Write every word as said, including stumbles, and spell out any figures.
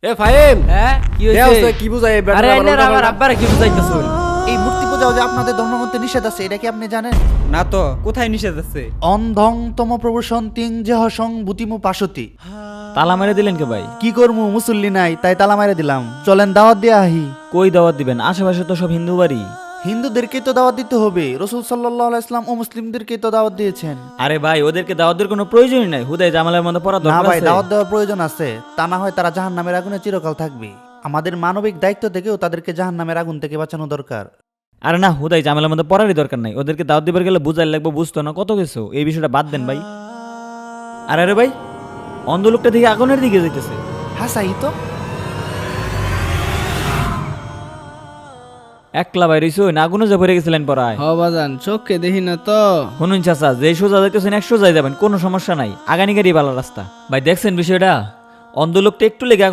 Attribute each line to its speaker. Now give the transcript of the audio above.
Speaker 1: এ ফাহিম,
Speaker 2: হ্যাঁ কি
Speaker 1: দেও
Speaker 2: হইছে?
Speaker 1: সে কি বুঝায় এই ব্যাটারা
Speaker 2: আরে
Speaker 1: আবার
Speaker 2: এনে
Speaker 1: উল্টা
Speaker 2: আমার
Speaker 1: পাল্টা?
Speaker 2: আব্বারে কি বুঝাইতাছুন?
Speaker 3: এই মূর্তি পূজা যে আপনাদের ধর্মগ্রন্থে নিষেধ আছে, এটা কি আপনি জানেন?
Speaker 4: না তো, কোথায় নিষেধ আছে?
Speaker 3: অন্ধং তম প্রবসন্তিং যেহসং বুতিমু পাশতি।
Speaker 5: তালা মেরে দিলেন কে ভাই?
Speaker 3: কি করমু, মুসল্লি নাই তাই তালা মারে দিলাম। চলেন দাওয়াত দিয়ে আহি।
Speaker 5: কই দাওয়াত দিবেন? আশেপাশে তো সব হিন্দু বাড়ি।
Speaker 3: হিন্দুদেরকে তো দাওয়াত দিতে হবে, রসুল সাল্লাল্লাহু আলাইহি ইসলাম ও মুসলিমদেরকে তো দাওয়াত দিয়েছেন।
Speaker 5: আরে ভাই, ওদেরকে দাওয়াত দেওয়ার কোনো প্রয়োজনই নাই। হুদাই জামালের মধ্যে পড়া
Speaker 3: না
Speaker 5: দরকার
Speaker 3: ভাই,
Speaker 5: আছে।
Speaker 3: দাওয়াত দেওয়ার প্রয়োজন আছে, তা না হয় তারা জাহান্নামের আগুনে চিরকাল থাকবে। আমাদের মানবিক দায়িত্ব থেকেও তাদেরকে জাহান্নামের আগুন থেকে বাঁচানো দরকার।
Speaker 5: আরে না, হুদাই জামালের মধ্যে পড়ারই দরকার নাই। ওদেরকে দাওয়াত দিবার গেলে বুঝাই লাগবে, বুঝতো না কত কিছু। এই বিষয়টা বাদ দেন ভাই। আরে আরে ভাই, অন্ধ লোকটা দিকে আগুনের দিকে যাইতেছে।
Speaker 3: হ্যাঁ সাই তো।
Speaker 5: একলা বাইরে না আগুনে যা ভরে গেছিলেন পড়ায়।
Speaker 2: হ বাজান চোখকে দেখি না তো।
Speaker 5: শুনুন চাচা, যে সোজা যাইতেছেন একশো যাই যাবেন, কোনো সমস্যা নাই। আগানি গাড়ি ভালো রাস্তা। ভাই দেখছেন বিষয়টা? অন্ধ লোকটা একটু লেগে